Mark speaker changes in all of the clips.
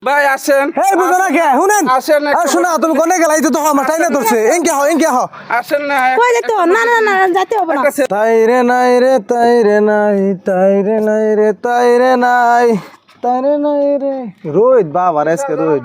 Speaker 1: ভাই আসেন।
Speaker 2: এই বুঝো না কে শুনেন
Speaker 1: আসেন
Speaker 2: আর শোনা তুমি কোনে গেলাই তো আমার টাইনে ধরছে এনকে হ
Speaker 1: আসেন না।
Speaker 3: কই যেতে হবে? না না না যেতে হবে না।
Speaker 2: তাই রে নাই রে তাই রে নাই তাই রে নাই রে তাই রে নাই তাই রে নাই রে রোহিত বাবা আজকে রোহিত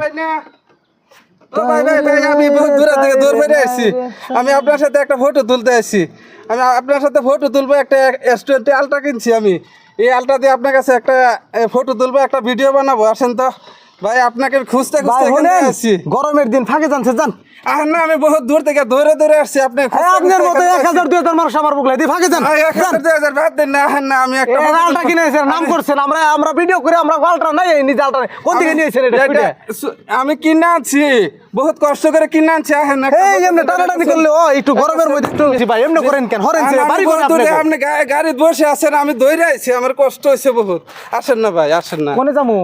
Speaker 1: ভাই আমি বহুত দূর থেকে দূর বেড়ে আসছি। আমি আপনার সাথে একটা ফটো তুলতে আসছি। আমি আপনার সাথে ফটো তুলবো। একটা S20 আলট্রা কিনছি আমি। এই আলট্রা দিয়ে আপনার কাছে একটা ফটো তুলবো, একটা ভিডিও বানাবো। আসেন তো ভাই, আপনাকে খুঁজতে
Speaker 2: ভাই
Speaker 1: খুঁজতে এখানে
Speaker 2: শুনেন
Speaker 1: আসছি।
Speaker 2: গরমের দিন ফাঁকে জানছে জান
Speaker 1: আর না, আমি বহুত দূর থেকে দৌড়ে আসছি। আপনি
Speaker 2: আপনার মতো 1000 2000 মানুষ আমার বুকলাই দিয়ে ফাঁকে যান
Speaker 1: 1000 বাদ দেন না। না আমি একটা
Speaker 2: আলটা কিনেছেন নাম করছেন আমরা ভিডিও করে আমরা আলটা নাই নিজে আলটা কোন দিকে নিয়েছেন এটা
Speaker 1: আমি কিনে আনছি, বহুত কষ্ট করে কিনে আনছি।
Speaker 2: এই এমনি টানাটানি করলে ও একটু গরমের মধ্যে একটু ভাই এমনি করেন কেন হরেন বাড়ি করেন
Speaker 1: আপনি গাড়িতে বসে আছেন, আমি দৌড়ে আইছি। আমার কষ্ট হয়েছে বহুত। আসেন না ভাই, আসেন না।
Speaker 2: কোনে যামু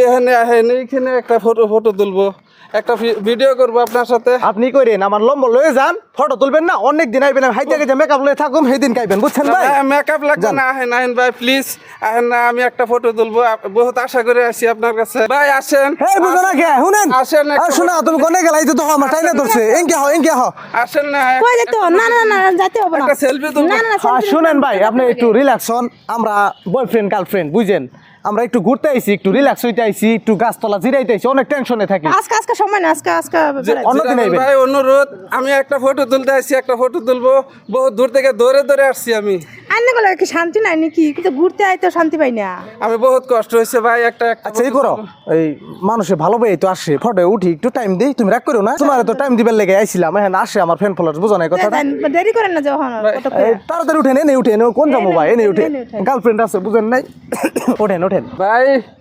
Speaker 1: এইখানে একটা ফটো তুলবো, একটা ভিডিও করবো আপনার সাথে।
Speaker 2: আপনি করেন আমার লম্বা লয়ে যান ফটো তুলবেন না, অনেক দিন আইবেন হাইতে গেছে মেকআপ লয়ে থাকুম সেই দিন খাইবেন বুঝছেন ভাই।
Speaker 1: মেকআপ লাগবে না, আহেন ভাই প্লিজ আহেন না। আমি একটা ফটো তুলবো, বহুত আশা করে আসি আপনার কাছে। ভাই আসেন।
Speaker 2: এই বুঝো না কে শুনেন
Speaker 1: আসেন
Speaker 2: আর শোনা তুমি কোনে গেলাই তো আমার টাইনে ধরছে এনকে হ
Speaker 1: আসেন না।
Speaker 3: কই যেতে হবে? না না না যেতে হবে না।
Speaker 1: একটা সেলফি তুলবো।
Speaker 3: না না
Speaker 2: শুনেন ভাই আপনি একটু রিল্যাক্স হন। আমরা বয়ফ্রেন্ড গার্লফ্রেন্ড বুঝেন, আমরা একটু ঘুরতে আইছি, একটু রিল্যাক্স হইতে আইছি, একটু গাছতলা জিরাইতে আইছি, অনেক টেনশনে থাকি।
Speaker 3: আজকে সময় না, আজকে
Speaker 2: অন্যদিন আইবেন।
Speaker 1: ভাই অনুরোধ, আমি একটা ফটো তুলতে আসছি, একটা ফটো তুলবো। বহুত দূর থেকে দৌড়ে আসছি আমি।
Speaker 3: আইনে গেলে কি শান্তি নাই নাকি? কিন্তু ঘুরতে আইতো শান্তি পাই না।
Speaker 1: আমি বহুত কষ্ট হয়েছে ভাই। একটা
Speaker 2: আচ্ছা এই করো, এই মানুষে ভালো ভাই তো আসে ফটো উঠি একটু টাইম দেই, তুমি রাগ করো না। তোমার তো টাইম দিবার লেগে আইছিলাম, এখন আসে আমার ফ্রেন্ড ফলোয়ার্স বুঝো না এই কথাটা।
Speaker 3: দেরি করেন না যখন
Speaker 2: তাড়াতাড়ি উঠেন এনে উঠেন কোন যাবো ভাই এনে উঠে গার্লফ্রেন্ড আছে বুঝেন নাই ওঠেন
Speaker 1: ভাই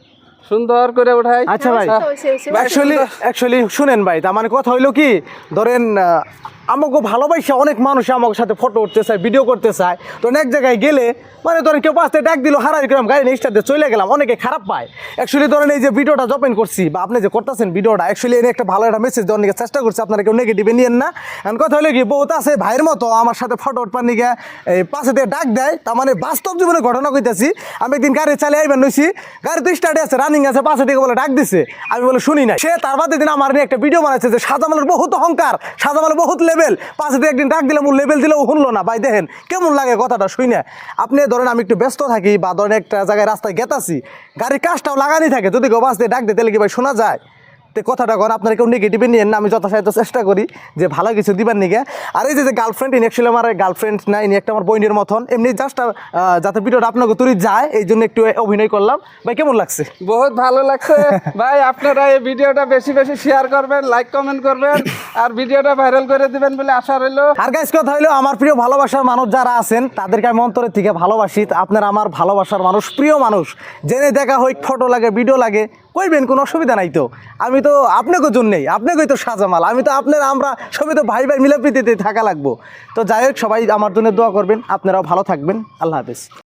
Speaker 1: সুন্দর করে উঠাই।
Speaker 2: আচ্ছা ভাই
Speaker 3: হইছে।
Speaker 2: অ্যাকচুয়ালি শুনেন ভাই, তার মানে কথা হইলো কি ধরেন আমাকে ভালোবাসা অনেক মানুষ আমার সাথে ফটো উঠতে চায়, ভিডিও করতে চায়। তো এক জায়গায় গেলে মানে ধরেন কেউ পাশে ডাক দিল হারাই গেলাম, গাড়ি নিয়ে স্টার্ট চলে গেলাম, অনেকে খারাপ পায়। অ্যাকচুয়ালি ধরেন এই যে ভিডিওটা জপেন করছি বা আপনি যে করতেছেন ভিডিওটা, অ্যাকচুয়ালি এনে একটা ভালো একটা মেসেজ দেওয়ার নিয়ে চেষ্টা করছি, আপনারা কেউ নেগেটিভে নিয়েন না। এখন কথা হলো কি বহুত আছে ভাইয়ের মতো আমার সাথে ফটো উঠবার নিয়ে এই পাশে দিয়ে ডাক দেয়। তার মানে বাস্তব জীবনে ঘটনা কইতাছি। আমি একদিন গাড়ি চালিয়ে আইবেন নইছি, গাড়ি তো স্টার্টে আছে রানিং আছে, পাশে দিকে বলে ডাক দিছে, আমি বলে শুনি না। সে তার বাদে দিন আমার নিয়ে একটা ভিডিও বানাচ্ছে যে সাজামালের বহুত অহংকার, সাজামালের বহুত লেভেল, পাশে দিয়ে একদিন ডাক দিলাম ও লেভেল দিলেও শুনলো না। ভাই দেখেন কেমন লাগে কথাটা শুই না। আপনি ধরেন আমি একটু ব্যস্ত থাকি বা ধরেন একটা জায়গায় রাস্তায় গেতাছি, গাড়ির কাজটাও লাগানি থাকে, যদি কেউ বাস দিয়ে ডাক দিতে কি ভাই শোনা যায়? তো কথাটা কর আপনারা কেউ নেগেটিভে নিয়েন না, আমি যথাসাধ্য চেষ্টা করি যে ভালো কিছু দিবার নিগে। আর এই যে গার্লফ্রেন্ড ইনি অ্যাকচুয়ালি আমার গার্লফ্রেন্ড না, ইনি একটা আমার বোনের মতন, এমনি জাস্ট যাতে ভিডিওটা আপনাকে তুলি যায় এই জন্য একটু অভিনয় করলাম। ভাই কেমন লাগছে?
Speaker 1: বহুত ভালো লাগছে ভাই। আপনারা এই ভিডিওটা বেশি বেশি শেয়ার করবেন, লাইক কমেন্ট করবেন, আর ভিডিওটা ভাইরাল করে দিবেন বলে আশা রইল।
Speaker 2: আর গাইস কথা হইলো আমার প্রিয় ভালোবাসার মানুষ যারা আছেন তাদেরকে আমি অন্তরের থেকে ভালোবাসি। আপনারা আমার ভালোবাসার মানুষ, প্রিয় মানুষ, জেনে দেখা হোক ফটো লাগে ভিডিও লাগে কইবেন, কোনো অসুবিধা নাই। তো আমি তো আপনাকে জন্যই, আপনাকেই তো সাজামাল, আমি তো আপনারা আমরা সবাই তো ভাই ভাই মিলাপ্রীতিতে থাকা লাগবো। তো যাই হোক সবাই আমার জন্য দোয়া করবেন, আপনারাও ভালো থাকবেন। আল্লাহ হাফেজ।